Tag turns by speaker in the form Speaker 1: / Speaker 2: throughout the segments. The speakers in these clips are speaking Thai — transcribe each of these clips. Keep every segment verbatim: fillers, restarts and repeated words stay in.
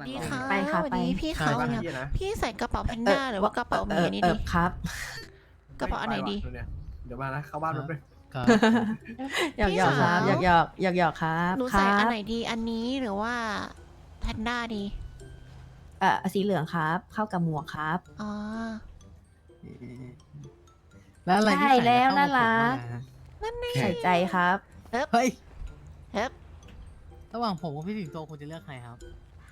Speaker 1: ดีค่ะ
Speaker 2: ไปค่ะ
Speaker 1: วัน
Speaker 2: ไป
Speaker 1: นี้พี่เขา
Speaker 3: ไป
Speaker 1: เนี่ย
Speaker 3: พี่นะ
Speaker 1: พี่ใส่กระเป๋าแพนด้าหรือว่ากระเป๋าหมีอันนี้
Speaker 2: เอ
Speaker 1: ดี
Speaker 2: อครับ
Speaker 1: กระเป๋าอันไหนดี
Speaker 3: ปว่ะเนี่ยเดี๋ยวมานะเข้าบ้านแป๊บนึง
Speaker 4: ครับ
Speaker 2: หยอก
Speaker 1: พี่
Speaker 2: หยอกครับ
Speaker 1: สาว
Speaker 2: หยอกหยอกหยอกหยอกครับ
Speaker 1: หนู
Speaker 2: ค
Speaker 1: ใส่
Speaker 2: รั
Speaker 1: อัน
Speaker 2: บ
Speaker 1: ไหนดีอันนี้หรือว่าแพนด้าดี
Speaker 2: เอ่อสีเหลืองครับ เข้ากับหมวกครับ
Speaker 1: อ๋อ
Speaker 4: แล้วอะไรที่
Speaker 2: ได้
Speaker 4: ใส่
Speaker 2: แล้ว
Speaker 4: เข้ากับ
Speaker 2: น่ารัก
Speaker 4: ผมอะฮะ
Speaker 2: ใส่ใจครับ
Speaker 4: เฮ้ย
Speaker 1: เฮ้ย
Speaker 4: ระหว่างผมกับพี่สิงโตคุณจะเลือกใครครับ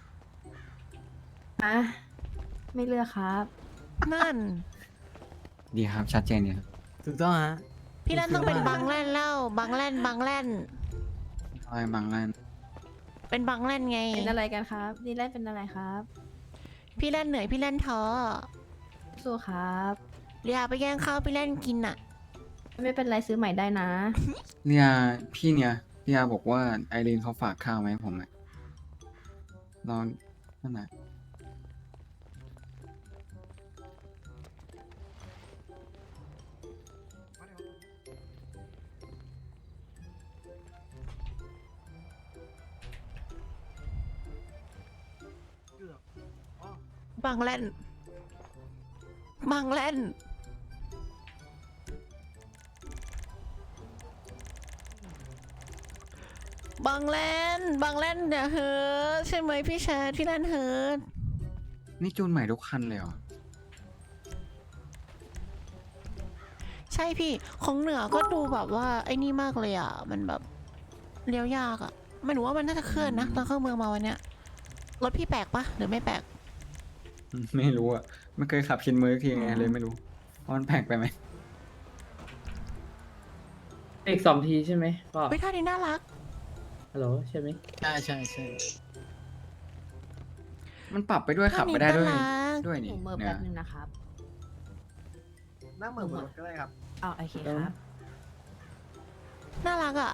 Speaker 2: อ่ะ ไม่เลือกครับ
Speaker 1: นั่น
Speaker 5: ดีครับชัดเจนดีครับ
Speaker 4: ถูกต้องฮะ
Speaker 1: พี่แลนต้องเป็นบังแลนเล่าบังแลนบังแลน
Speaker 5: ทอยบางร้าน
Speaker 1: เป็นบังแลนไง
Speaker 2: เป็นอะไรกันครับนี่แรกเป็นอะไรครับ
Speaker 1: พี่แลนเหนื่อยพี่แลนท้อ
Speaker 2: สู้ครับ
Speaker 1: เรียไปแย่งข้าวพี่แลนกินอ่ะ
Speaker 2: ไม่เป็นไรซื้อใหม่ได้นะ
Speaker 5: เนี่ยพี่เนี่ยพี่อาบอกว่าไอรีนเขาฝากข้าวมาให้ผมอะลองนั่นน่ะ
Speaker 1: บังแลนบังแลนบังแลนบังแลนอย่าเฮิร์ตใช่ไหมพี่ชายพี่แลนเฮิร์ต
Speaker 5: นี่จูนใหม่ทุกคันเลยเหรอ
Speaker 1: ใช่พี่ของเหนือก็ดูแบบว่าไอ้นี่มากเลยอ่ะ มันแบบเลี้ยวยากอ่ะไม่รู้ว่ามันน่าจะเคลื่อนนะตอนเข้าเมืองมาวันเนี้ยรถพี่แปลกปะหรือไม่แปลก
Speaker 5: ไม่รู้อะไม่เคยขับชินมือทีไงเลยไม่รู้ว่ามันแปลกไปไหม
Speaker 6: อีกสองทีใช่ไหมก็
Speaker 1: เฮ้ยท่านี้น่ารัก
Speaker 6: ฮัลโหลใช่ไหม
Speaker 4: ใช่ใช่ใช่
Speaker 5: มันปรับไปด้วยขับไปได้ด้วยด้วย
Speaker 2: ห
Speaker 5: นี่
Speaker 2: นูเมิร์ฟ
Speaker 5: เนี่
Speaker 2: แป๊
Speaker 5: ย
Speaker 2: บนึงนะครับ
Speaker 3: นั่งเหมือนบนรถก็ได้ครับ
Speaker 2: อ๋อโอเคครับ
Speaker 1: น่ารักอ่ะ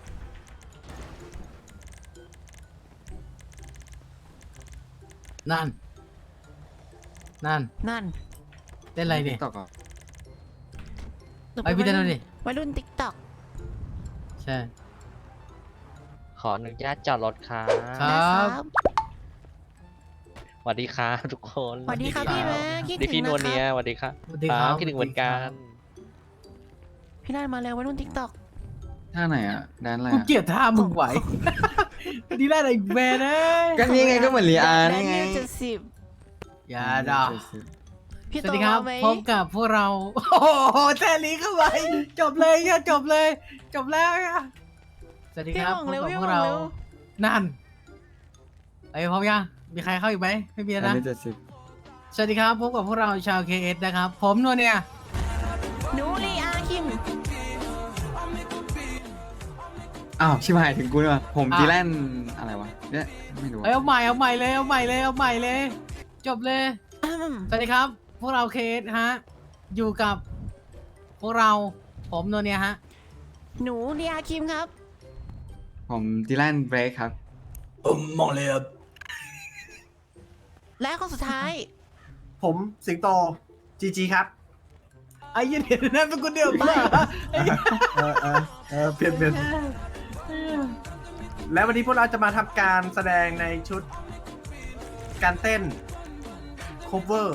Speaker 4: นั่น นั่น
Speaker 1: นั่น
Speaker 4: เล่นอะไรเนี่ย
Speaker 5: ต่อก่อน
Speaker 1: หนู
Speaker 4: ไปพี่เต้นดูดิ
Speaker 1: วัยรุ่นติ๊กต็อก
Speaker 4: ใช่
Speaker 7: ขออนุญาตจอดรถครับ
Speaker 4: ครับ
Speaker 7: สวัสดีครับทุกคน
Speaker 1: สวัสดีครับพี่แม่คิด
Speaker 7: ดี
Speaker 1: ถึ
Speaker 7: พี่
Speaker 1: ง
Speaker 7: น
Speaker 1: นะ
Speaker 7: วล
Speaker 1: ค
Speaker 7: เนีย
Speaker 1: รับ
Speaker 7: สวัสดีครับ
Speaker 4: สวัสดีครับ
Speaker 7: คิดถึงเหมือนกัน
Speaker 1: พี่แลนมาแล้ววัยรุ่นติ๊กต็อก
Speaker 5: ท่าไหนอะแดนอะไร
Speaker 4: กู
Speaker 5: อะ
Speaker 4: เกลียดท่ามึงไหวดีได้เลยแมนเอ้ย
Speaker 5: ก็นี่ไงก็เหมือนลีอาร์นี่ไง
Speaker 1: เจ็ดสิบ
Speaker 4: อย่าด่า
Speaker 1: พี่
Speaker 4: ส
Speaker 1: โต
Speaker 4: วัสดีครับ
Speaker 1: เอาไหม
Speaker 4: พบกับพวกเรา โอ้โหแทลีเข้าไปจบเลยค่ะจบเลย จบแล้วค่ะสวัสดี
Speaker 1: พี่
Speaker 4: ครับ
Speaker 1: ห
Speaker 4: พ
Speaker 1: ม่
Speaker 4: บ
Speaker 1: งเร็ว
Speaker 4: กับ
Speaker 1: พี่
Speaker 4: พ
Speaker 1: ห
Speaker 4: ว
Speaker 1: ม่
Speaker 4: ก
Speaker 1: ง
Speaker 4: เรา
Speaker 1: เร็ว
Speaker 4: นั่นไอ้ยพร้อมยังมีใครเข้าอีกไหมไม่มีแล้ว
Speaker 5: อัน
Speaker 4: นะ
Speaker 5: นี้เจ็ดสิบ
Speaker 4: สวัสดีครับพบกับพวกเราชาว เค เอส นะครับ ผมนวลเนี่ย
Speaker 1: หนูลีอาคิม
Speaker 5: อ้าวชิบหายถึงกูเลยว่ะผม
Speaker 4: อ่ะ
Speaker 5: ดีแลนอะไรวะเนี่ยไม่รู้อะ
Speaker 4: เอ้ยเอาใหม่เอาใหม่เลยเอาใหม่เลยเอาใหม่เลย จบเลย
Speaker 1: อืม
Speaker 4: สวัสดีครับ พวกเรา เค เอส ฮะอยู่กับพวกเราผมนวลเนี่ยฮะ
Speaker 1: หนูลีอาคิมครับ
Speaker 5: ผมดีแลนเบรกครับ
Speaker 4: ผมมองเลยครับ
Speaker 1: และคนสุดท้าย
Speaker 3: ผมสิงโตจีจีครับ
Speaker 4: ไอ้เหี้ยันเห็นนั่นเป็นคนเดียวมาไอ้เหี้ย
Speaker 3: เออเออเออเปลี่ยนเปลี่ยนและวันนี้พวกเราจะมาทำการแสดงในชุด การเต้น cover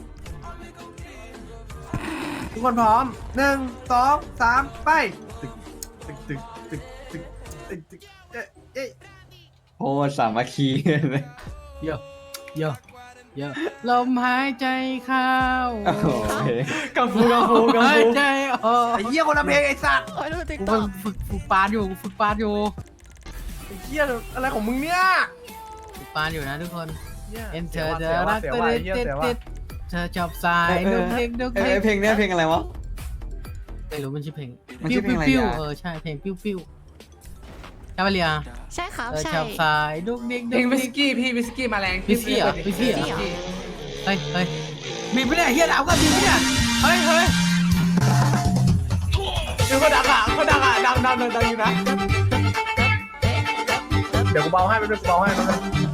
Speaker 3: ทุกคนพร้อมหนึ่งสองสามไปตึกตึกตึกตึกตึกตึกตึกเอ๊ะเอ๊ะ
Speaker 5: โอ้สามัคคีเลย
Speaker 4: เยอะเยอะเยอะลมหายใจเข้า
Speaker 5: โอ้โหกังฟูกังฟูกัง
Speaker 4: หาย
Speaker 5: ฟู
Speaker 4: ใจออก
Speaker 3: ไอ้เหี้ยคนละเพลงไอ้สัตว์
Speaker 1: วัยรุ่นติ๊ก
Speaker 4: กู
Speaker 1: ต็อก
Speaker 4: ฝึกฝึกปานอยู่ฝึกปานอยู่
Speaker 3: ไอ้เหี้ยอะไรของมึงเนี่ย
Speaker 4: ฝึกปานอยู่นะทุกคน
Speaker 3: หี้ย
Speaker 4: เอ็นเธ
Speaker 3: สีย
Speaker 4: อ
Speaker 3: ว่ะ
Speaker 4: จะ
Speaker 3: สีย
Speaker 4: รั
Speaker 3: ว่ะ
Speaker 4: ก
Speaker 3: เสีย
Speaker 4: เต้
Speaker 3: ว่ะ
Speaker 4: น
Speaker 3: ไอ้เหี้ย
Speaker 4: เต้น
Speaker 3: เสียว่ะ
Speaker 4: เต้นเธอชอบสายดุกเด็กดุก
Speaker 5: เอ้
Speaker 4: เด็
Speaker 5: ย
Speaker 4: ก
Speaker 5: เพลงเนี้ยเพลงอะไรวะ
Speaker 4: ไม่รู้มันชื่อเพลง
Speaker 5: มันชื่อเพลงอะไร
Speaker 4: ปิ้ว
Speaker 5: อ่ะ
Speaker 4: ๆเออใช่เพลงปิ้วปิ้วใช่ปะเลีย
Speaker 1: ใช่ครับ
Speaker 4: เธอ
Speaker 1: ใช่
Speaker 4: ชอบสายดุกเด็ก
Speaker 6: เพ
Speaker 4: ดุ
Speaker 6: ลง
Speaker 4: ก
Speaker 6: วิ
Speaker 4: เด็
Speaker 6: ส
Speaker 4: ก
Speaker 6: กี้พี่วิสกี้มาแรง
Speaker 4: วิสกี้เหรอวิสกี้เหรอ
Speaker 6: วิสกี้
Speaker 4: เฮ้ยเฮ้ยมีปะเนี่ยเฮียดาวก็มีปะเนี่ยเฮ้ยเฮ้ย
Speaker 3: คือเขาดังอ่ะเขาดังอ่ะดังดังดังดังอยู่นะ เดี๋ยวกูเบาให้ไปด้วยกูเบาให้ไปด้วย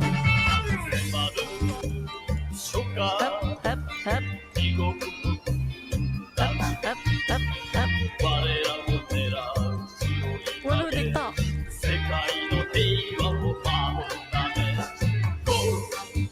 Speaker 1: เฮ้บเฮ้บเฮ้บเฮ้บเฮ้บเฮ้บวัยรุ่นติ๊กต็อก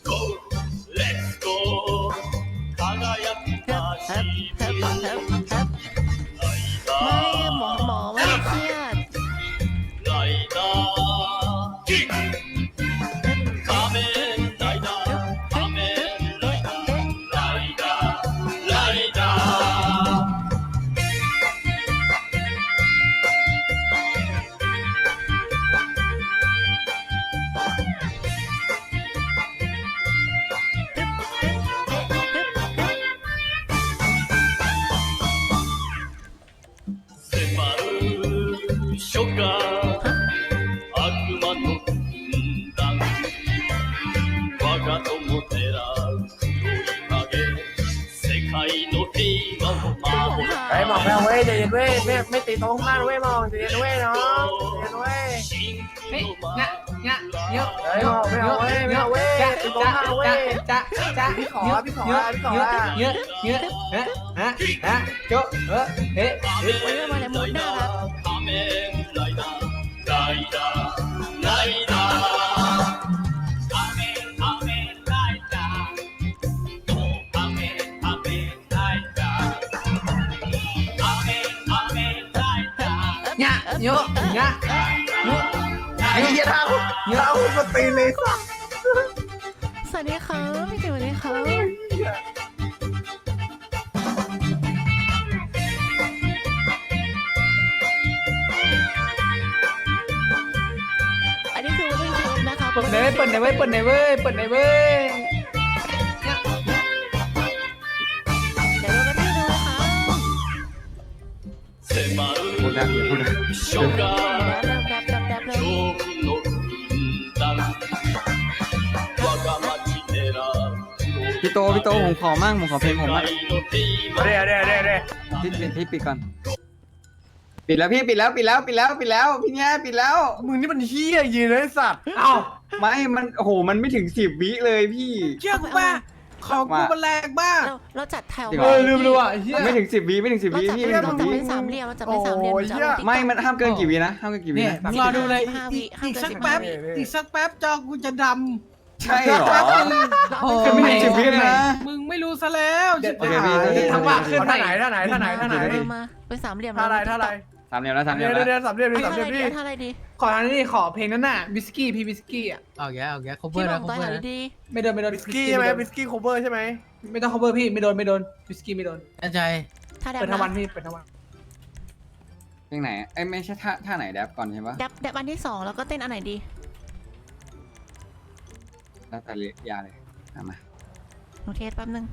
Speaker 8: 初夏悪魔と軍団我が友照らう黒い影世界の平和を守る
Speaker 3: ไอ้หมองไม่เอาเว้ยใจเย็นเว้ยไม่ไม่ตีโต๊ะข้างหน้าเว้ยหมองใจเย็นเว้ยน้องใจเย็นเว้ย
Speaker 4: เฮ้ยงะงะเยอะ
Speaker 3: เฮ้ยหมองไม่เอาเว้ยไม่เอาเว้ย
Speaker 4: จ้า
Speaker 3: ตีโต๊ะข้างหน้าเว้ย
Speaker 4: จ้าจ้า
Speaker 3: พี่ขอพี่ขอ
Speaker 4: เยอะ
Speaker 3: พี่ขอ
Speaker 4: เยอะเยอะเยอะฮะฮะฮะโจ๊ะเออเฮ้เฮ้
Speaker 1: โอ้ยมาเลยมุดน่ารัก
Speaker 8: 仮面ライダーライダーライダー仮面仮面ライダー仮面仮面ライダー仮面仮面ライダー
Speaker 4: งะเยอะงะเยอะ
Speaker 3: ไอ้เหี้ยท่าท่าคุณมาตีเลยสัส
Speaker 1: สวัสดีครับพี่เก๋สวัสดีครับอันนี้คือวันเล่นเกมนะคะ
Speaker 4: เปิดไหนเว้ยเปิดไหนเว้ยเปิดไหนเว้ยเปิดไหนเว้ย
Speaker 1: เดี๋ยวเราไปที่ดูนะคะ
Speaker 8: 迫
Speaker 5: พูดได้
Speaker 8: る
Speaker 5: พูดได้
Speaker 8: 初夏
Speaker 1: แดบแดบแดบแดบเลย
Speaker 8: 恐怖の軍団我が町狙う
Speaker 5: พี่โตพี่โตผมขอมั่งผมขอเพลงผม
Speaker 8: 世
Speaker 5: มั่ง
Speaker 8: 界の平
Speaker 3: เดี๋ยว
Speaker 8: 和
Speaker 3: เดี๋ยวเดี๋ยวเดี๋ยว
Speaker 5: พี่ปิดพี่ปิดก่อน ปิดแล้วพี่ปิดแล้วปิดแล้วปิดแล้วปิดแล้วพี่แง่ปิดแล้ว
Speaker 3: มึงนี่มันเหี้ยยืนเลยสัตว์
Speaker 4: เอ้า
Speaker 5: ไม่ มันโอ้โห มันไม่ถึงสิบวิเลยพี่
Speaker 4: เชื่อกูป่ะของกูมันแรงมาก
Speaker 1: เราเราจัดแถว
Speaker 5: จริง
Speaker 4: เอ
Speaker 5: หร
Speaker 4: อลืมเลยว่ะเฮีย
Speaker 5: ไม่ถึงสิบวิไม่ถึงสิบ
Speaker 1: เรา
Speaker 5: วิ
Speaker 1: จัด
Speaker 5: พี่
Speaker 1: เป็น
Speaker 5: ไม่
Speaker 1: เรา
Speaker 5: ถึ
Speaker 1: จัด
Speaker 5: ง
Speaker 1: เป็
Speaker 5: วิ
Speaker 1: นสามเหลี่ยมเราจัดเป็นสามเหลี่ยม
Speaker 3: โอ้ย
Speaker 1: จะเอา
Speaker 5: ไม่ มันห้ามเกินกี่วินะ ห้ามเกินกี่วิ
Speaker 4: เนี่ย
Speaker 5: นะ
Speaker 4: มึงรอดูเลย
Speaker 1: สิบห้าวิ
Speaker 4: อีก
Speaker 1: ห้ามเกิน
Speaker 4: สักแป๊บ
Speaker 1: สิบห้าวิ
Speaker 4: อีกสักแป๊บจอกูจะด
Speaker 5: ใช่เหรอ
Speaker 4: ำโอ้
Speaker 5: จะไม่ถึงสิบวินะ
Speaker 4: มึงไม่รู้ซะแล้วชิบ
Speaker 5: โอเค
Speaker 4: หาย
Speaker 5: พี่
Speaker 4: ทำว่าขึ้น
Speaker 3: ท่าไหนท่าไหนท่าไหนท่าไหน
Speaker 1: เออมาเป็นสามเหลี่ยม
Speaker 3: ท่าไหนท่าไหน
Speaker 5: สามเหลี่ยมแล้วสามเหลี่
Speaker 3: เดี๋
Speaker 5: ย
Speaker 3: ย
Speaker 5: ม
Speaker 3: ว
Speaker 5: แล้ว
Speaker 3: เดี๋ยวสามเหลี่ยม
Speaker 1: เอา
Speaker 3: สามเหลี่ยม
Speaker 1: ท่าอะไรดี
Speaker 3: พี่
Speaker 1: เอาท่าอะไรดี
Speaker 4: ขออันนี้ขอเพลงนั้นน่ะวิสกี้พี่วิสกี้อ่ะ
Speaker 2: เอาแกเอาแก
Speaker 1: พี่
Speaker 2: cover
Speaker 1: บ
Speaker 2: นะ
Speaker 1: อกตัว
Speaker 2: cover
Speaker 1: ไหน
Speaker 2: นะ
Speaker 1: ดี
Speaker 4: ไม่โดนไม่โดน
Speaker 3: บิสกี้ใช่ไหมบิสกี้โคเวอร์ใช่ไหม
Speaker 4: ไม่ต้อง cover พี่ไม่โดนไม่โดนวิสกี้ไม่โดน
Speaker 2: แน่ใจ
Speaker 1: ท่าแดบ
Speaker 4: เปิดทั้งวัน
Speaker 1: นะ
Speaker 4: พี่เปิดทั้งวัน
Speaker 5: เพลงไหนเอ้ยไม่ใช่ท่าท่าไหนแดบก่อนใช่ปะ
Speaker 1: แดบแดบอันที่สองแล้วก็เต้นอันไหนดี
Speaker 5: แล้วแต่ยาเลยเอามา
Speaker 1: หนูเทสแป๊บนึง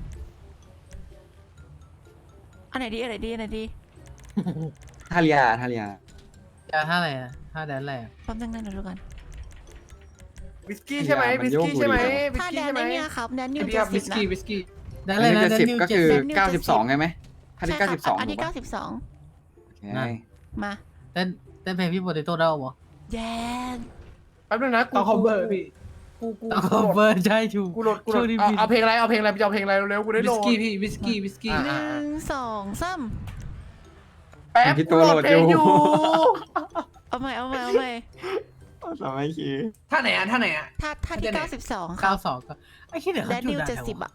Speaker 1: อันไหนดีอันไหนดีอันไหนดี
Speaker 5: ท่าเรียท่าเรีย
Speaker 2: จะท่าอะไรอะท่าแดนอะไรอะ
Speaker 1: แป๊บนึงนะเดี๋ยวดูกัน
Speaker 3: บิสกี้ใช่ไหมบิสกี้ใช่ไหมบิส
Speaker 1: ท่าแด
Speaker 3: กี้
Speaker 1: น
Speaker 3: ใช่ไหม
Speaker 1: ไอ้เนี่ยครับแดนนิว
Speaker 4: พี่
Speaker 1: เจ็
Speaker 4: ค
Speaker 1: ด
Speaker 4: รับ
Speaker 1: สิ
Speaker 4: วิ
Speaker 1: บ
Speaker 4: ส
Speaker 1: นะ
Speaker 4: กี้วิสกี้
Speaker 2: แดน
Speaker 5: อั
Speaker 2: อะ
Speaker 5: น
Speaker 2: ไร
Speaker 5: นี้
Speaker 2: นะ
Speaker 5: จะ
Speaker 2: แดน
Speaker 5: สิบ
Speaker 2: นิว
Speaker 5: ก็
Speaker 2: เจ็ด
Speaker 5: คือ
Speaker 2: สิบ
Speaker 5: เก้าสิบสองใช่ไหมท่าที่
Speaker 1: ใช่
Speaker 5: เก้า
Speaker 1: ค
Speaker 5: สิ
Speaker 1: รับบ
Speaker 5: สอง
Speaker 1: อันที่
Speaker 5: ถูก
Speaker 1: เก้า
Speaker 5: ปะ
Speaker 1: สิบสอง
Speaker 5: โอเค
Speaker 2: นั่น
Speaker 1: มา
Speaker 2: เต้นเต้นเพลงพี่โปเตโต้ได้ปะ
Speaker 1: แดน
Speaker 3: แป๊บนึงนะกู
Speaker 4: ต้อง cover พี่
Speaker 3: กูกู
Speaker 2: ต้อง
Speaker 3: กูโหลด
Speaker 2: cover ใช่ถูก
Speaker 3: กูโหลดกูโหล
Speaker 2: ช่ว
Speaker 3: ด
Speaker 2: งนี้
Speaker 3: เอา
Speaker 2: ผิด
Speaker 3: เอาเพลงอะไรเอาเพลงอะไรจะเอาเพลงอะไรเร็วๆกูได้
Speaker 4: วิ
Speaker 3: โหล
Speaker 4: ส
Speaker 3: ด
Speaker 4: กี้พี่วิสกี้วิสกี้
Speaker 1: หนึ่งสองสาม
Speaker 3: แป๊บ
Speaker 5: พี่
Speaker 3: กู
Speaker 5: โต
Speaker 3: โหล
Speaker 5: โหล
Speaker 3: ด
Speaker 5: ด
Speaker 3: เพล
Speaker 5: อง
Speaker 3: อยู่ ยู่
Speaker 1: เอาใหม่เอาใหม่เอาใหม่
Speaker 5: สมัยคี
Speaker 4: ท่าไหนอ่ะท่าไหนอ่ะ
Speaker 1: ท่าท่าที่เก้าสิบสองค
Speaker 2: เก้า
Speaker 1: รับ
Speaker 2: สองก็ไอ้ที่เดี๋ยว
Speaker 1: แด
Speaker 2: เขา
Speaker 1: น
Speaker 2: จุ
Speaker 1: นิ
Speaker 2: ด
Speaker 1: ว
Speaker 2: อะ
Speaker 1: เจ็ดสิบอ่ะ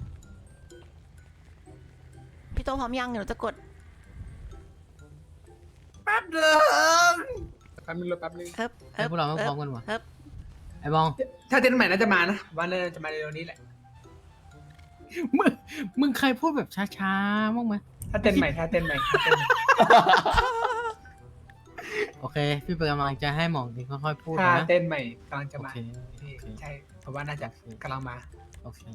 Speaker 1: พี่โตพร้อมยังเดี๋ยวหนูจะกด
Speaker 3: แป๊บเดิม
Speaker 4: แป๊บนึงรอแป๊บนึง
Speaker 1: เอิบ
Speaker 2: ไอ้พวกเราไม่พร้อมกันวะ
Speaker 1: เอิบ
Speaker 2: ไอ้บอง
Speaker 4: ถ้าเต้นใหม่น่าจะมานะวันนี้จะมาเร็วนี้แหละ
Speaker 2: มึงมึงเคยพูดแบบช้าๆบ้างไหม
Speaker 4: ถ้าเต้นใหม่ถ้าเต้นใหม่ถ้าเต้นใหม่
Speaker 2: โอเค พี่เป็นกำลังใจให้หมองนี่ค่อยๆพูด
Speaker 4: ถ้า
Speaker 2: นะ
Speaker 4: เต้นใหม่กำลังจะ
Speaker 2: โอ
Speaker 4: มา
Speaker 2: เค
Speaker 4: พี่
Speaker 2: โอเค
Speaker 4: ใช่เพราะว่าน่าจะกำลังมา
Speaker 2: โอเค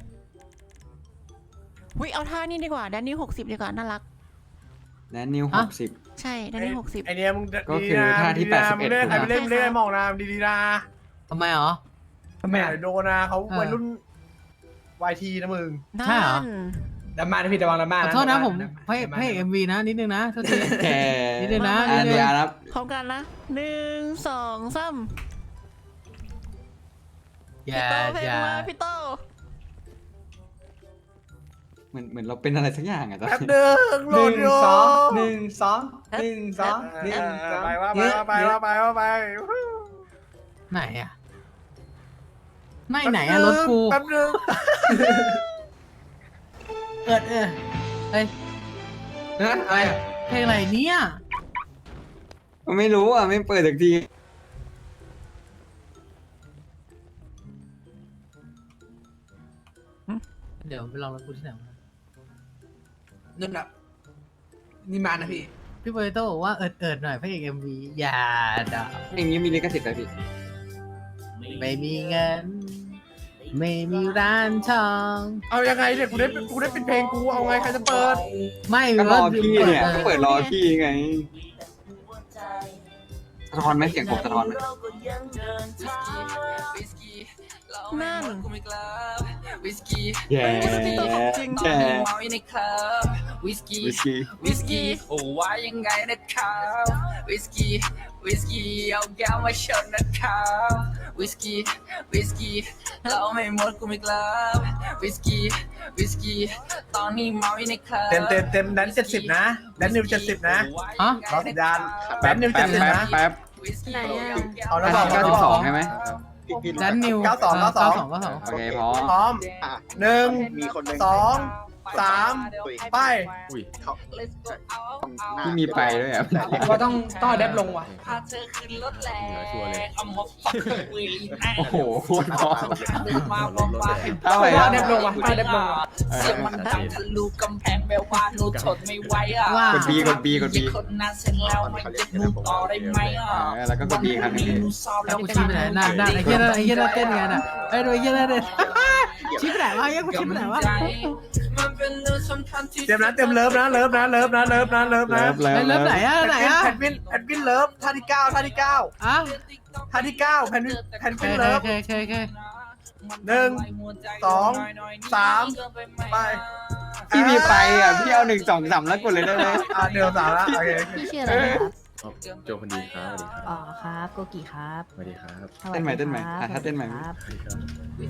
Speaker 1: วิเอาท่านี่ดีกว่าแดนนิวหกสิบดีกว่าน่ารัก
Speaker 5: แดนนิวห
Speaker 2: ฮะ
Speaker 5: กสิบ
Speaker 1: ใช่แดนนิวหกสิบ
Speaker 3: ไอเนี้ยมึง
Speaker 5: ก็คือท่าที่
Speaker 3: ดีๆนะ
Speaker 5: แปดสิบเอ็ด
Speaker 3: มึงเล่นใครไปเล่น
Speaker 1: ถูกนะ
Speaker 3: เล่นไอ้มองนะดีๆนะ
Speaker 2: ทำไมเหรอ
Speaker 4: ทำไม
Speaker 3: ไม่
Speaker 4: อ่ะ
Speaker 3: โดนนะเขา
Speaker 2: เออ
Speaker 3: วัยรุ่นวายทีนะมึง
Speaker 2: ใช่เหรอ
Speaker 1: นั่น
Speaker 4: ดราม่านะพี่ระวังดราม่า
Speaker 2: ขอ
Speaker 4: นะ
Speaker 2: โทษนะผม
Speaker 4: ดรา
Speaker 2: พระเอกพระเอกเอ็มวีนะนิดนึงนะโทษที
Speaker 5: แค่
Speaker 2: นิดนึงนะ
Speaker 5: อันเดียวนะ
Speaker 1: พร้อมกันนะหนึ่งสองสาม
Speaker 2: อ
Speaker 1: พี่
Speaker 2: ย่า
Speaker 1: โตเพลง
Speaker 2: อย่า
Speaker 1: มาพี่โต
Speaker 5: เหมือนเหมือนเราเป็นอะไรสักอย่างอะตอน
Speaker 3: แป๊บ
Speaker 5: นี้
Speaker 3: เดิมโหล
Speaker 4: หนึ่ง
Speaker 3: ดอยู่
Speaker 4: สองหนึ่งสองหนึ่งสองหนึ่งสอง
Speaker 3: ไปว่าไปว่าไปว่าไปว่าไป
Speaker 2: ไหนอะไม่ไหนอะรถกู
Speaker 3: แป๊บนึง
Speaker 2: เอิดเออเฮ้ย
Speaker 4: เฮ้ยอะไรอ่ะ
Speaker 2: เพลงอะไรเนี่ย
Speaker 5: ไม่รู้อ่ะ ไม่เปิดสักที
Speaker 2: เดี๋ยวไปลองรถกูที่ไหนวะ
Speaker 4: นั่นแหละนี่มานะพี่
Speaker 2: พี่โปเตโต้บอกว่าเอิดเอิดหน่อยพระเอกเอ็มวีอย่าด่า
Speaker 5: อย่างนี้มีลิขสิทธิ์ไหมพี่
Speaker 2: ไม่มีเงิน ไม่มีร้านทอง
Speaker 3: เอายังไงเนี่ยกูได้กูได้ปิดเพลงกูเอาไงใครจะเปิด
Speaker 2: ไม่
Speaker 5: ก็รอ
Speaker 2: ว่า
Speaker 5: พี่เนี่ยก็เปิดรอพี่ไงสะท้อนไหมเสียงผมสะท้อนไหม
Speaker 1: นั่น
Speaker 4: วิสกี้
Speaker 2: แย่
Speaker 1: จริง
Speaker 2: แย่
Speaker 4: เมาอยู่ในคลับวิสกี้
Speaker 2: วิสกี้
Speaker 4: วิสกี้โอ้ว่ายังไงนะครับวิสกี้วิสกี้เอาแก้วมาชนนะครับวิสกี้วิสกี้เราไม่หมดกูไม่กลับวิสกี้วิสกี้ตอนนี้เมาอยู่ในคลับ
Speaker 3: เต็มเต็มเต็มแดนเจ็ดสิบนะแดนนิวเจ็ดสิบนะ
Speaker 4: ฮะ
Speaker 3: รอสัญญาณแด
Speaker 5: แป๊
Speaker 3: น
Speaker 5: บ
Speaker 3: นิว
Speaker 5: แป๊
Speaker 3: เจ็ด
Speaker 5: บ
Speaker 3: สิบ
Speaker 5: แป๊บ
Speaker 3: นะ
Speaker 5: แป๊บ
Speaker 1: ไหนอะ
Speaker 3: เอาแล้ว
Speaker 5: เก้า
Speaker 3: บอก
Speaker 5: สิบสองใช่ไหม
Speaker 4: แดนนิว
Speaker 3: เก้าสองเก้าสอง
Speaker 4: เก้าสอง
Speaker 5: โอเคพร้อม
Speaker 3: พร้อมหนึ่ง
Speaker 2: มีคนหนึ่ง
Speaker 3: สองสามไป
Speaker 2: อุ้ยเขา
Speaker 5: ที่มีไปด้วยอ่ะ
Speaker 6: ว่าต้องต้องแดบลงว่ะ
Speaker 4: พาเธอขึ้นรถแรงเอามาฟักวีแน่
Speaker 5: โอ้โหโคตรพร้อม
Speaker 4: มาบอกว่า
Speaker 5: เท่าไหร่
Speaker 6: ต้อ
Speaker 5: นะ
Speaker 6: งแดบลงว่ะต้องแดบลงว่ะ
Speaker 4: เสียงมันดังทะลุกำแพงแปลว่าหนูทนไม่ไหวอ่ะ
Speaker 5: กดบีกดบีกดบี
Speaker 4: คนนั้นเสร็จแล้วมันจะหนูต่อได้ไหมอ่ะ
Speaker 5: เออแล้วก็กดบีครั้งหนึง
Speaker 4: หนูสอบแล้ว
Speaker 9: กูชี้ไปไหนน่าน่าไอ้เหี้ยน่าไอ้เหี้ยน่าเต้นไงน่ะไอ้ดูไอ้เหี้ยน่าเต้น ชี้ไปไหนวะไอ้เหี้ยกูชี้ไปไหนวะ
Speaker 4: มันเป็นเรื่องสำคัญที่
Speaker 3: เต็มนะเต็มเลิฟนะเลิฟนะเลิฟนะเลิฟนะเลิฟ
Speaker 5: เลิ
Speaker 3: นะ
Speaker 5: ฟเลิฟ
Speaker 9: ไอ้เลิฟไหนอะไหนอะ
Speaker 3: แพนวินแพนวินเลิฟท่าที่เก้าท่าที่เก้า
Speaker 9: อ่ะ
Speaker 3: ท่าที่เก้าแพนวินแพน
Speaker 9: โอ
Speaker 3: วิน
Speaker 9: เค
Speaker 3: เลิฟ
Speaker 9: โอเคโอเคโอเค
Speaker 3: หนึ่งสองสามไป
Speaker 5: พี่มีไปอ่ะพี่เอาหนึ่งสองสามแล้วกดเลยได้ไหม
Speaker 3: อ่าเดี๋ยวสามละโอเค
Speaker 10: พี่ชื่ออะไรนะครับ
Speaker 2: โจคนดีครับสวัสดีครับ
Speaker 10: อ๋อครับ โกกิครับ
Speaker 2: สวัสดีครับ
Speaker 10: สวัส
Speaker 5: เต้นใหม่
Speaker 10: ดี
Speaker 5: เต้นใหม่
Speaker 10: ครับ
Speaker 5: อ่ะถ้าเต้นใหม่
Speaker 10: ครับ
Speaker 2: สวัสดีครับ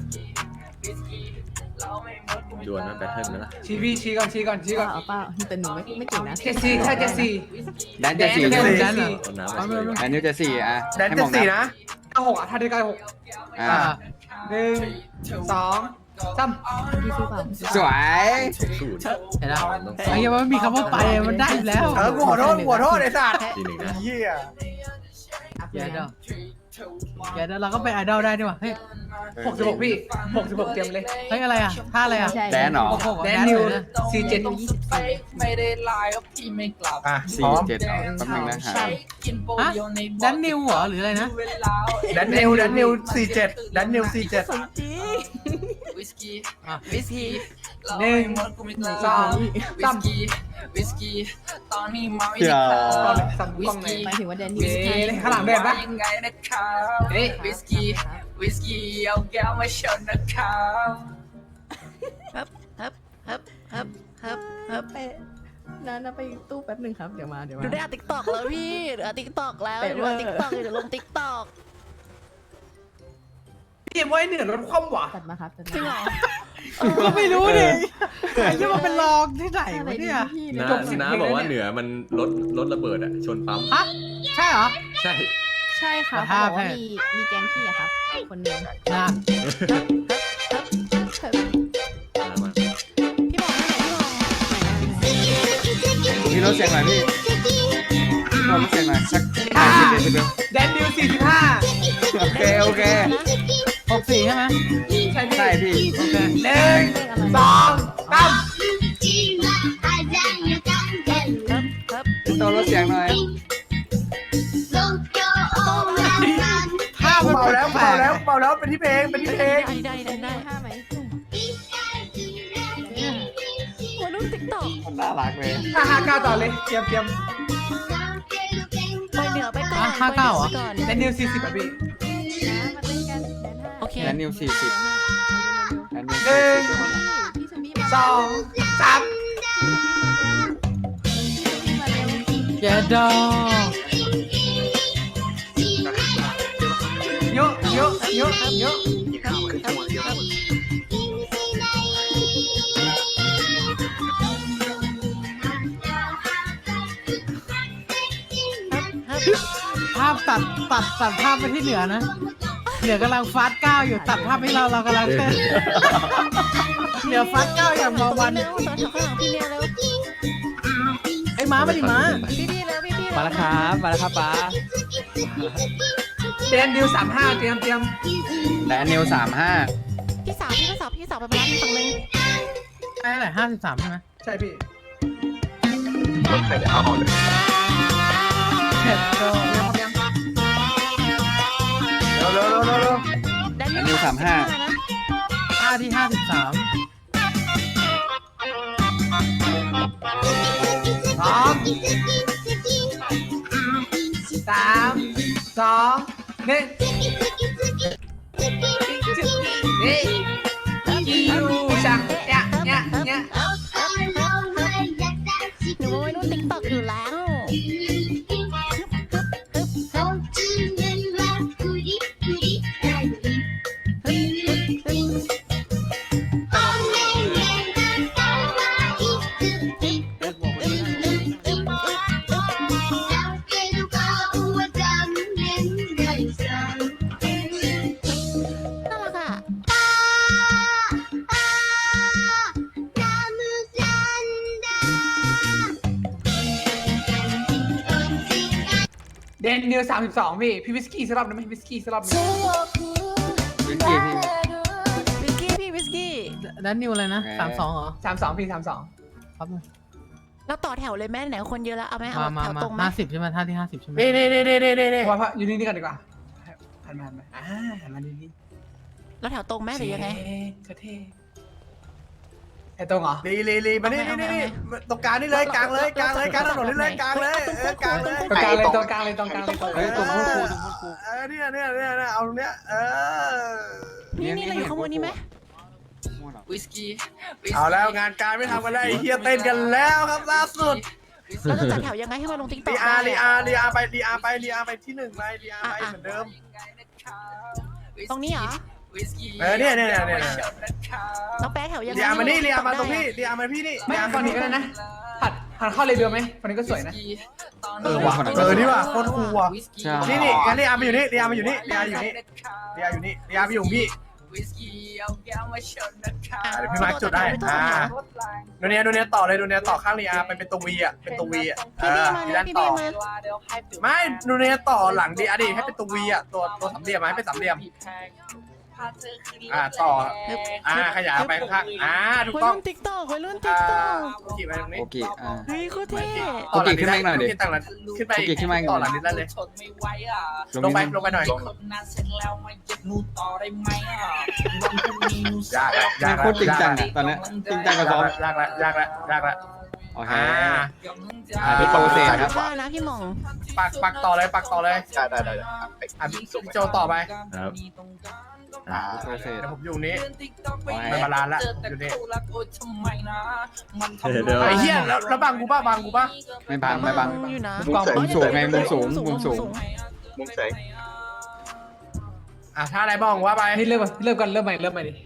Speaker 2: ดวลนะแบทเทิลไหมล่ะ
Speaker 6: ชี้พี่ชี้ก่อนชี้ก่อนชี้ก่อน
Speaker 10: เอาเปล่าแต่หนูไม่ไม่เก่งนะ
Speaker 6: เจสซี่ใช่เจสซี่
Speaker 5: แดนจะสี่
Speaker 6: แด
Speaker 5: ใช่ไหม
Speaker 6: นแดนเหรอ
Speaker 2: เอาน้ำมาช่วย
Speaker 5: แดนนิวจะสี่อ่ะ
Speaker 3: แดนเจ็ดสี่นะ
Speaker 6: เก้าหกอ่ะท่าที่เก้าหก
Speaker 5: อ่า
Speaker 6: อ่าหนึ่งสองสาม
Speaker 10: พี่ซื้อเปล่า
Speaker 5: สวย
Speaker 2: สู้ดิ
Speaker 9: เห็นแล้วไอ้เหี้ยมันไม่มีคำว่าไปมันได้อยู่แล้ว
Speaker 3: เออกูขอโทษกูขอโทษไอ้สัตว์
Speaker 2: ทีหนึ่งนะ
Speaker 3: เหี้ย
Speaker 9: แกเดอแกเดอเราก็เป็นไอดอลได้ด้วยว่ะเฮ้ย
Speaker 6: หกสิบหกพี่หกสิบหกเตรียมเลย
Speaker 9: เฮ้ยอะไรอ่ะท่าอะไรอ่ะ
Speaker 10: ใช่
Speaker 5: แดนเหรอ
Speaker 9: โอ้โห
Speaker 6: แด
Speaker 9: แด
Speaker 6: น
Speaker 9: น
Speaker 6: นิ
Speaker 9: นิ
Speaker 6: ว
Speaker 9: วนะ
Speaker 6: สี่เจ็ด
Speaker 10: ยี่สิบสี่
Speaker 4: ไม่ได้ไลน์ก็พี่ไม่กลับ
Speaker 3: อ่ะพ
Speaker 5: สี่
Speaker 3: ร้อม
Speaker 5: เจ็ดแป๊บนึงนะฮะ
Speaker 4: กินโป
Speaker 9: ฮะ
Speaker 4: โยใน
Speaker 9: แดนนิวเหรอหรืออะไรนะ
Speaker 4: เวลา
Speaker 3: แดนนิวแดนนิวสี่เจ็ดแดนนิวสี่เจ็ด
Speaker 4: วิสกี้
Speaker 9: อ่ะ
Speaker 4: วิสกี้
Speaker 6: หนึ่ง
Speaker 4: สองวิสกี้วิสกี้ตอนนี้เมาอีก
Speaker 5: เดี๋ยว
Speaker 6: กล้องเลยสั่งกล้องเลย
Speaker 10: หมายถึงว่าแดนนิ
Speaker 6: เอ๊
Speaker 10: ว
Speaker 6: ะข้างหลังเดินปะ
Speaker 4: ยังไงนะครับ
Speaker 6: เอ๊ะ
Speaker 4: วิสกี้วิสกี้เอาแก้วมาชนนะครับ
Speaker 1: ฮึบฮึบฮึบฮึบฮึบฮึบ
Speaker 10: ไปนั่นนะไปตู้แป๊บหนึ่งครับ เดี๋ยวมา เดี๋ยว
Speaker 1: ดู
Speaker 10: มา
Speaker 1: ได้ติ๊กตอกแล้วพี่เดี๋ยวติ๊กตอกแล้ว
Speaker 10: เป๊ะ
Speaker 1: เดี๋ยว
Speaker 10: เวอร์
Speaker 1: ติ๊กตอกเดี๋ยวลงติ๊กตอก
Speaker 6: พี่เอ็มไว้เหนือรถคว่ำว่ะ
Speaker 10: ตัดมาครับตัด
Speaker 1: จริงเหร
Speaker 10: มา
Speaker 1: อ
Speaker 9: ก็ไม่รู้ดิไอ้เหี้ยมันเป็นลองที่ไหน
Speaker 10: อะไร
Speaker 9: วะ
Speaker 10: ดี
Speaker 9: เนี่ย
Speaker 10: พี่
Speaker 2: น้า
Speaker 6: จบสิบ
Speaker 2: น้า
Speaker 6: เพลง
Speaker 2: บอกว่า
Speaker 6: แล้วเนี่ย
Speaker 2: เหนือมันรถรถระเบิดอ่ะ ชนปั๊ม
Speaker 9: ฮะใช่เหรอ
Speaker 2: ใช่
Speaker 10: ใช่ค่ะ
Speaker 9: แต่
Speaker 10: เขา
Speaker 9: ถ้า
Speaker 10: บอกว่า
Speaker 9: แพทย์
Speaker 10: มีมีแก๊งพี่อะครับ คนหนึง
Speaker 9: นะ
Speaker 2: น้ามา
Speaker 1: พี่บอกให้หน่อยพี่บอก
Speaker 5: พี่ลดเสียงหน่อยพี่ลดเสียงหน่อยสัก
Speaker 6: อ่า
Speaker 5: ห้าสิบเดซิเบล
Speaker 6: แดนนิวสี่สิบห้า
Speaker 5: โอเคโอเค
Speaker 9: หกสี่ใช่ไหม
Speaker 6: ใช่พี่
Speaker 5: ใช่พี่
Speaker 9: โอเค
Speaker 6: หนึ่งสองสาม
Speaker 5: พี่โตลดเสียงหน่อย
Speaker 9: ท่ามัน
Speaker 3: เบาแล้ว
Speaker 9: แปล
Speaker 3: เบาก แล้วเบาแล้วเป็นที่เพลงเป็นที่เพลง
Speaker 1: ได้ได้ได้ได้
Speaker 10: ห้าไหม
Speaker 1: หัวรูปติ๊กตอก
Speaker 5: มันน่ารักเลย
Speaker 6: ห้าห้าเก้าต่อเลยเตรียมเตรียม
Speaker 1: ไปเหนือไปก่อน
Speaker 9: ห้าเก้าเหรอ
Speaker 1: ไปนือไปก่อน
Speaker 6: แดนนิวสี่สิบอ่ะพี่
Speaker 10: มาเล่นกันแดนห้า
Speaker 1: โอเค
Speaker 5: แดนนิวสี่สิบแดนนิว
Speaker 6: หนึ่ง
Speaker 10: พี่ชมี่มา
Speaker 6: สองสาม
Speaker 10: มาเร็ว
Speaker 9: แกเดอ
Speaker 6: เยอะเยอะเยอะเยอะ
Speaker 9: ภาพตัดตัดตัดภาพไปที่เหนือนะ เหนือกำลังฟาสต์ก้าวอยู่ตัดภาพให้เราเรากำลังเต้นเหนือฟาสต์ก้าวอย่างเมาวัน
Speaker 1: เร็วตอนแถวข้างหลังพี่เนี่ยเร็ว
Speaker 9: ไอ้ม้ามาดิม้า
Speaker 1: พี่พี่เร็วพี่พี่
Speaker 6: มาแล้วครับมาแล้วครับป้าแดนนิวสามห้าเตรียมเตรียม
Speaker 5: แดนนิวสามห้า
Speaker 1: พี่สาวพี่สาวพี่สาวไปร้านฝั่งนึง
Speaker 9: ใช่เท่าไหร่ห้าสิบสามใช่ไหม
Speaker 6: ใช่พี่
Speaker 9: แกเดอ
Speaker 3: เร็วเร็วเร็วเร็วเร็ว
Speaker 1: แดน
Speaker 5: แดนนิวสามห้า
Speaker 1: นะ
Speaker 9: ท่าที่ห้าสิบสาม
Speaker 6: สองสามสองหนึ่งนี่จิวจังเนี่ยเนี่ยเนี่ย
Speaker 1: หนูว่าวัยรุ่นติ๊กต็อกอยู่แล้ว น่ารักอ่ะ
Speaker 6: เดนนิวสามสิบสองพี่พี่วิสกี้สลับนะไหมวิสกี้สลับนะ
Speaker 5: วิสกี้พี่
Speaker 1: วิสกี้พี่วิสกี้
Speaker 9: แล้วนิวเลยนะสามสองเหรอ
Speaker 6: สามสองพี่สามสอง
Speaker 9: ครับ
Speaker 1: เราต่อแถวเลยแม่ไหนคนเยอะแล้วเอาไหมเอา
Speaker 9: มามา
Speaker 1: แถว
Speaker 9: มา
Speaker 1: ตรงไหม
Speaker 9: ห้าสิบใช่ไหมท่าที่ห้าสิบใช่ไหม
Speaker 3: นี่นี่นี่นี่นี่นี่
Speaker 6: ว่าอยู่นี่นี่กันดีกว่าหันมาหันมาอ่าหันมาดีดี
Speaker 1: แล้วแถวตรงแม่หรือยังไง
Speaker 6: เท่เท่ไอ้ตรงเหรอ
Speaker 3: ลีลีลีมานี่นี่นี่ตรงกลางนี่เลยกลางเลยกลางเลยกลางถนนนี่เลยกลางเลยเออกลางเลย
Speaker 6: ตรงกลางเลยตรงกลางเลยตรงกลางเลยตรงกลาง
Speaker 5: เฮ้ย
Speaker 6: เลย
Speaker 5: ตรงพูดครูตรงพูดครู
Speaker 3: เออเนี่ยเนี่ยเนี่ยเนี่ยเอาตรงเนี้ยเออ
Speaker 1: นี่นี่เราอยู่ข้างบนนี้ไหม
Speaker 4: วิสกี้
Speaker 3: เอาแล้วงานการไม่ทำกันแล้วไอ้เฮียเต้นกันแล้วครับล่าสุด
Speaker 1: เราจะจัดแถวยังไงให้มาลงติ๊กต็อก
Speaker 3: ลีอาร์ลีอาร์ลีอาร์ไปลีอาร์ไปลีอาร์ไปที่หนึ่งไปลีอาร์ไปเหมือนเดิม
Speaker 1: ตรงนี้เหรอ
Speaker 3: เออเนี่ยเนี่ยเนี่ยเนี่ย
Speaker 1: เราแปะแถวยังไง
Speaker 3: ลีอาร์มานี่ลีอาร์มาตรง
Speaker 1: ให้
Speaker 3: พี่
Speaker 1: ล
Speaker 3: ลีอาร์มาพี่นี่
Speaker 6: ไม่
Speaker 3: ลีอาร์
Speaker 6: ฝั่งนี้ก็ได้นะหัดหันเข้าเลยเบลไหมฝั่งนี้ก็สวยนะ
Speaker 3: เออว่ะเออนี่ว่ะโคตรคูลว่ะ
Speaker 5: ใช่
Speaker 3: นี่นี่งั้นลีอาร์มาอยู่นี่ลีอาร์มาอยู่นี่ลีอาร์อยู่นี่ลีอาร์อยู่นี่ลีอาร์ไปอยู่พี่
Speaker 4: วิสกี้เอาแก้วมาชนนะคะ
Speaker 1: อ่ะ
Speaker 3: เดี๋ยวพี่มาร์คจุดได้อ่าโดเนียโดเนียต่อเลยโดเนียต่อข้างลีอาร์ไปเป็นตัววีอ่ะเป็นตัววีอ่ะเอ
Speaker 1: พี่บี
Speaker 3: อ
Speaker 1: มา
Speaker 3: ที่
Speaker 1: เลย
Speaker 3: ด้าน
Speaker 1: พี่
Speaker 3: ต่
Speaker 1: บี
Speaker 3: อ
Speaker 1: มา
Speaker 3: ไม่โดเนียต่อหลังดีอาร์ดีให้เป็นตัววีอ่ะตัวตัวสามเหลี่ยมมาให้เป็นสามเหลี่ยมอ่าต่ออ่าขยายไปข้างๆอ่าถูก
Speaker 1: วัย
Speaker 3: ต้อง
Speaker 1: รุ่นติ๊กต็อกวัยรุ่นติ๊
Speaker 3: อ่าก
Speaker 1: ต็อก
Speaker 3: โอเคไปตรงนี้
Speaker 5: โอเคอ่า
Speaker 1: เฮ้ยโคตรเท่
Speaker 5: โอเคขึ้นมาอีกหน่อยดิ
Speaker 3: โเคตั้งหลังขึ้นไป
Speaker 5: โอเคขึ้นมาอีกหน่
Speaker 3: ต่
Speaker 5: อ
Speaker 3: อย หลังนิดได้เลย
Speaker 4: ทนไม่ไหวอ่ะ
Speaker 3: ลงไปลงไปหน่อย
Speaker 4: คนนั้นเสร็จแล้วมาเย็บนูต่อได้ไหมอ่ะวันพรุ่งนี้นู
Speaker 3: ยากแล้วยาก
Speaker 5: โค
Speaker 3: แล้ว
Speaker 5: ตรจริงจังอะตอนเนี้ยจริงจังกับซ้อม
Speaker 3: ยากแล้วยากแล้วยากแล้ว
Speaker 5: โอเค
Speaker 3: อ่า
Speaker 5: อ่าพี่โตเสร็จครับ
Speaker 1: ได้นะพี่หม่อง
Speaker 3: ปักปักต่อเลยปักต่อเลย
Speaker 2: ได้ได้ได้
Speaker 3: อ่ะพี่โจต่อไป
Speaker 2: ครับ
Speaker 5: โตเสร็จ
Speaker 3: เดี๋ยวผมอยู่นี้
Speaker 5: โอ้ย
Speaker 3: ไม่บาลานซ์ละอยู่นี่
Speaker 2: เดี๋ยว
Speaker 3: ไอ้เหี้ยแล้วแล้วบังกูป่ะบังกูป่ะ
Speaker 5: ไม่บังไม่บัง
Speaker 1: อยู่นะ
Speaker 5: มุมสูงไงมุมสูงมุมสูง
Speaker 2: มุมแสง
Speaker 3: อ่ะถ้าอะไรบ้องว่าไป
Speaker 6: นี่เริ่มเริ่มกันเริ่มใหม่เริ่มใหม่ดิ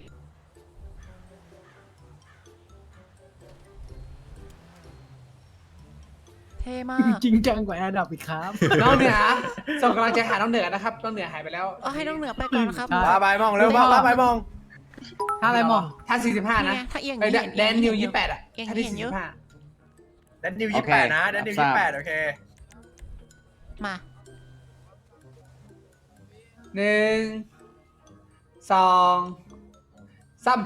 Speaker 1: เท่มาก
Speaker 9: จริงจังกว่าแอร์ดับอีกครับ
Speaker 6: น้องเหนือส่งกำลังใจหาน้องเหนือนะครับน้องเหนือหายไปแล้ว
Speaker 1: เอาให้น้องเหนือไปก่อนครับ
Speaker 9: ครับ
Speaker 3: ว่าไปบ้องเร็วว่าว่าไปบ้อง
Speaker 9: ท่าอะไรหมอ
Speaker 6: ท่าสี่สิบห้า
Speaker 1: นี่
Speaker 6: นะ
Speaker 1: ไงถ้าเอียง
Speaker 6: ไอ้
Speaker 1: เห็น
Speaker 6: แดนนิวยี่แปดอ่ะ
Speaker 1: เอียง
Speaker 6: ท่าที่
Speaker 1: เห็น
Speaker 6: สี่
Speaker 1: เย
Speaker 6: สิ
Speaker 1: อะ
Speaker 6: บห้า
Speaker 3: แดนนิวยี่แปดนะแดนนิวยี่แปดโอเค
Speaker 1: มา
Speaker 6: หนึ่งสองสาม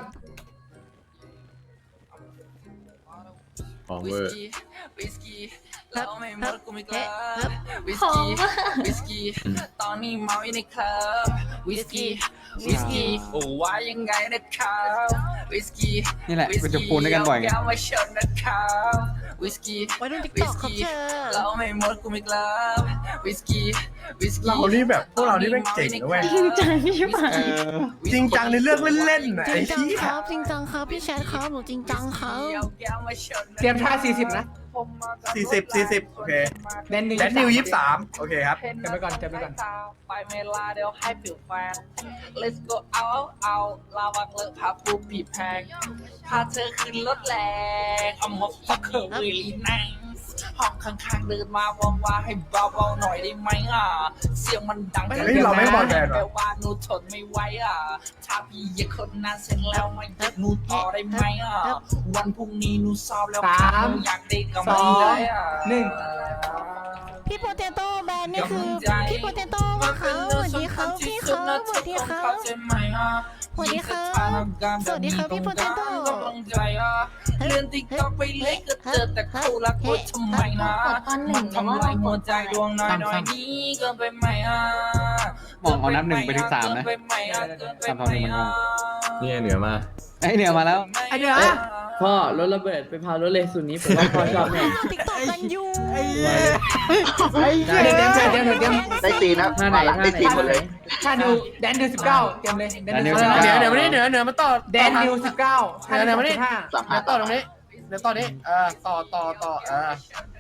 Speaker 2: ของ
Speaker 4: วิ
Speaker 2: เว
Speaker 4: ส
Speaker 2: อร์
Speaker 4: กี้วิสกี้เราไม่หมดกูไม่กลับ
Speaker 1: เฮ้ย
Speaker 4: วิสกี้วิสกี้ตอนนี้เมาอยู่ในคลับวิสกี้วิสกี้โอ้ว่ายังไงนะครับวิสกี้
Speaker 5: นี่แหละเป็นจุดปูนด้วยกันบ่อยไง
Speaker 4: แก้วมาชนนะครับวิสกี้
Speaker 1: วัยรุ่นติ๊ก
Speaker 4: วิ
Speaker 1: ต็อ
Speaker 4: ส
Speaker 1: กครับ
Speaker 4: กี้
Speaker 1: เธอ
Speaker 4: เราไม่หมดกูไม่กลับวิสกี้วิสกี้
Speaker 3: เรานี่แบบพวกเรานี่แม่งเจ๋งนะเว้ย
Speaker 5: เออ
Speaker 3: จริงจังในเรื่องเล่นๆน่ะ
Speaker 1: จ
Speaker 3: ไอ้
Speaker 1: ริงจัง
Speaker 3: ที่
Speaker 1: ครับจริงจังครับพี่แชทครับหนูจริงจังครับ
Speaker 6: เตรียมท่าสี่สิบนะ
Speaker 3: สี่สิบสี่สิบโอเค
Speaker 6: แดนนิว
Speaker 3: แดนนิวยี่สามโอเคครับ
Speaker 6: จำไปก่อนจำไปก่อน
Speaker 4: ไปเมลาเดี๋ยวให้ผิวแฟน let's go out out ลาวังเลอะพาปูผีแพงพาเธอขึ้นรถแรงเอามาฟักเธอ really nice ห้องข้างๆเดินมาว่าว่าให้เบาๆหน่อยได้ไหมอ่ะเสียงมันดัง
Speaker 3: เฮ้ยเราไม่บอลแบน
Speaker 4: แปล
Speaker 3: ว่ะ
Speaker 4: ว่าหนูทนไม่ไหวอ่ะถ้าพี่อยากคนนั้นเสร็จแล้วมาเย็บหนูต่อได้ไหมอ่ะวันพรุ่งนี้หนูสอบแล้วค่ะหนูอยากได้กำลังใจอ่ะ
Speaker 6: หนึ่ง
Speaker 1: พี่โปเตโต้แบรนด์นี่คือพี่โปเตโต้มาครับสวัสดีครับพี่ครับสวัสดีครับสวัสดีครับสวัสดีครับพี่โปเตโต้
Speaker 4: เลื่อนติ๊กต็อกไปเลยก็เจอแต่คู่รักโอ๊ยทำไมนะมันทำลายหัวใจดวงน้อยน้อยนี้เกินไปไหมอ่ะ
Speaker 5: มองเอานับหนึ่งไปถึงสามนะ
Speaker 4: เกินไปไหมอ่ะเกินไป
Speaker 5: สาม
Speaker 4: ไห
Speaker 5: เท่าม หนึ่งมันง
Speaker 4: อ่ะ
Speaker 5: ง
Speaker 2: นี่เหนือมา
Speaker 5: ไอ้เหนือมาแล้ว
Speaker 6: ไอเหนือ
Speaker 11: พ่อรถระเบิดไปพารถเลสุนี้ผมว่าพ่อชอบแน่
Speaker 1: ติ๊กต็อกกันอยู่
Speaker 9: ไอ้เหี้ย
Speaker 6: เดี๋ยวเตรียมเตรียมเตรียมเตรียม
Speaker 2: ได้ซีนะครับ
Speaker 11: ท่าไหน
Speaker 2: หลังได้ซีหมดเลย
Speaker 6: ท่านิวแดนนิวสิบเก้าเตรียมเลยแดนนิว
Speaker 5: แดนนิว
Speaker 6: สิบ
Speaker 3: เดี๋ยว
Speaker 6: เก้า
Speaker 3: เดี๋ยวมานี่เดี๋ยวเดี๋ยวมาต่อ
Speaker 6: แดนนิวสิบเก้าท่า
Speaker 3: เดี๋ยว
Speaker 6: นิ
Speaker 3: เดี๋ยว วมานี่
Speaker 6: สิบห้า
Speaker 2: สาม
Speaker 3: เดี๋
Speaker 2: ห้า
Speaker 3: ยวต่อตรงนี้เดี๋ยวต่อนี้เออต่อต่อต่อเออ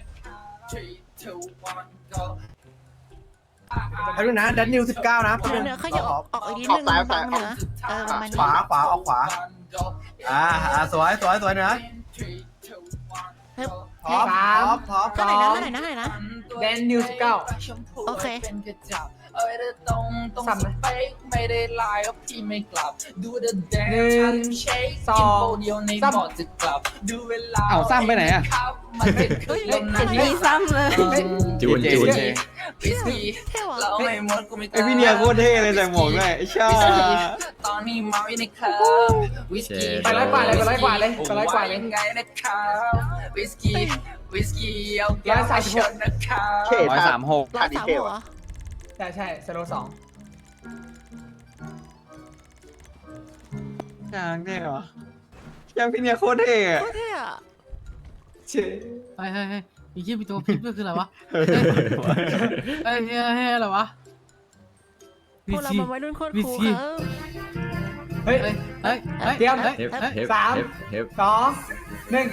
Speaker 3: ให้ดูนะดันนิวสิบเก้านะ
Speaker 1: เหนือเหนือขยับออกออกอีกนิดนึงบังเหนือเออประมาณ
Speaker 3: ข
Speaker 1: นี้
Speaker 3: วาขวาออกขวาอ่าอ่าสวยสวยสวยเนื้อ
Speaker 1: ฮึบ
Speaker 3: พร้อมพร้อมพร้อม
Speaker 1: เท่าไหร่นะเท่าไหร่นะเท่าไหร่นะ
Speaker 6: แดนนิวสิบเก้า
Speaker 1: โอเค
Speaker 4: ตรงตรงสเปคไม่ได้ไลน์ก็พี่ไม่กลับ ดูเดอะแดน
Speaker 6: หนึ่ง
Speaker 4: เช็ค
Speaker 6: สอง
Speaker 4: เดียวใน
Speaker 6: สาม
Speaker 4: บอร์ดจะกลับ ดูเวลา
Speaker 5: เอ้าซ้ำไปไหนอะ
Speaker 4: ครับมันไม่เคยลง
Speaker 10: เห็นมีซ้ำเลย
Speaker 2: จูนจูน
Speaker 4: วิสกี้
Speaker 1: เท่ว่ะ
Speaker 4: เราไม่หมดกูไม่ก
Speaker 5: ไอ
Speaker 4: ล้า
Speaker 5: พี่เนียโคตรเท่เลยใส่หมวกด้วยไอ้ชา
Speaker 4: ตอนนี้เมาอยู่ในคลับวิสกี้
Speaker 6: ไปร้อยกว่าเลยไปร้อยกว่าเลยไปร้อยกว่าเลย
Speaker 4: ยังไงนะครับวิสกี้วิสกี้เอาแก้วมาชนนะครับ
Speaker 2: เท่
Speaker 5: ร้อย
Speaker 2: ท่า
Speaker 5: สามหก
Speaker 1: ร้อยสามหัว
Speaker 6: ใช่ใช่สโลสอง
Speaker 5: กลางเท่เหรอยังพี่เนียโคตรเท่อะ
Speaker 1: โคตรเท่อะ
Speaker 6: เชื่อ
Speaker 9: เฮ้ยเฮ้ยเฮ้ยอีกที่มีตัวพิมพ์ด้วยคืออะไรวะเฮ้ยเฮ้ยเฮ้ยเฮ้ยอะไรวะ
Speaker 1: พวกเราเป็นวัยรุ่นโคตรคูลครับ
Speaker 6: เฮ้ย
Speaker 9: เฮ้ยเฮ้ยเฮ้ย
Speaker 6: เตรียม
Speaker 9: เฮ้ย
Speaker 2: เฮฟเฮฟ
Speaker 6: สาม
Speaker 2: เฮฟ
Speaker 6: สองหนึ่ง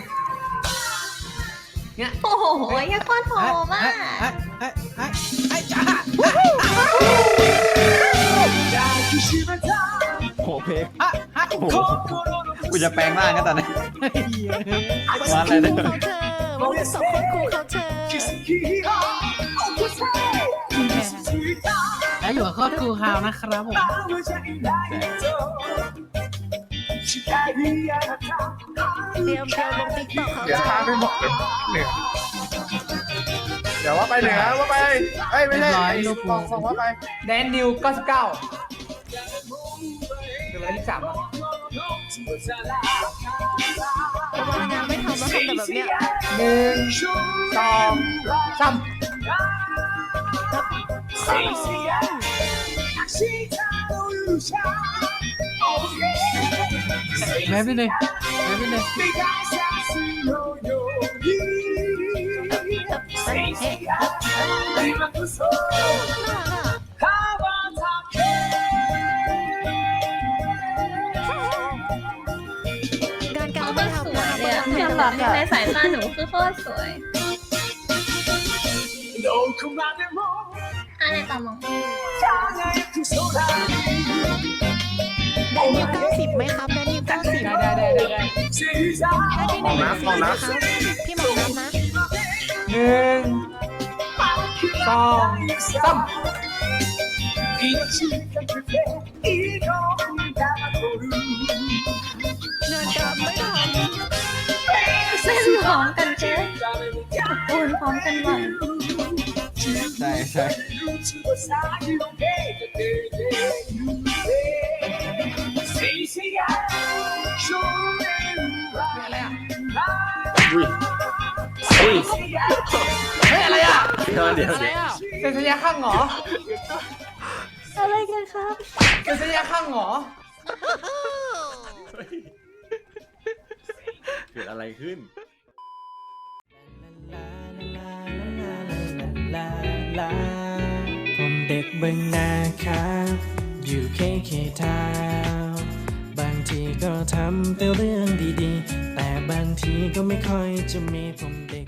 Speaker 10: โอ้โหยังโคตรโหดมาก
Speaker 9: เฮ้ยเฮ้ยเฮ้ยเฮ้ยจ้า
Speaker 5: โอ้เพลง
Speaker 9: ฮะฮะ
Speaker 5: โอ้โหกูจะแปลงร่างกันตอนนี้
Speaker 9: เฮ้ย
Speaker 5: มาอะไรเนี่ย
Speaker 1: เขาเธอวัยรุ่นสองคนคูลเขาเธอ
Speaker 9: แล้วอยู่กับครอบครัวฮาวนะครับผม
Speaker 1: เตรียมเตรียมลงติ๊กต็อกเขา
Speaker 3: เดี๋ยว
Speaker 1: เธ
Speaker 3: พา
Speaker 1: อ
Speaker 3: ไปบอกเหนือเดี๋ยวว่าไปเหนือว่าไปเอ้ยไม่ใช่ส่งส่งว่าไป
Speaker 6: แดนนิวเก้าสิบเก้าเดี๋ยวเวลาที่สามอ่ะ
Speaker 1: ระวังงานไม่ทำแล้วทำแต่แบบเนี้ย
Speaker 6: หนึ่งสองสาม
Speaker 9: แม่พี่หนึ่งแม่พี่หนึ่ง
Speaker 1: เฮ้ยเฮ้ยน่ารักอะงานการไม่ทำนะ
Speaker 10: เนี่ย
Speaker 1: ไม่
Speaker 10: ยัง
Speaker 1: ทำ
Speaker 10: แบ
Speaker 1: แบบ บเนี้ย
Speaker 10: ในสายตาหนูคือโคตรสวยอะไรต่อมอง
Speaker 1: แดนนิวเก้าสิบไหมครับแดนนิวเก้าสิบ
Speaker 6: ได้ได้ได้ได้ได้
Speaker 1: ได้ที่หนึ่งสี่นะครับพี่หมอนัทนะ
Speaker 6: หนึ่งสองสาม
Speaker 1: งานการไม่ทำ
Speaker 10: เส้นพร้อมกันเจ๊ปูนพร้อมกันบ่อย
Speaker 5: ใช่ใช่
Speaker 6: อะไรอ่ะ
Speaker 2: อุ้ยอุ้ย
Speaker 6: เฮ้ยอะไรอ่ะ
Speaker 2: เดี๋ยวเดี๋ยว
Speaker 1: อะไร
Speaker 2: เดี๋ยว
Speaker 1: อ่ะ
Speaker 6: เซ็นสัญญาข้างเหรอ
Speaker 10: อะไรกันครับ
Speaker 6: เซ็นสัญญาข้างเหรอ
Speaker 2: เกิดอะไรขึ้น
Speaker 12: ผมเด็กเบิ่งนาครับ อยู่เคเคทาวน์บางทีก็ทำแต่เรื่องดีๆ แต่บางทีก็ไม่ค่อยจะมีผมเด็ก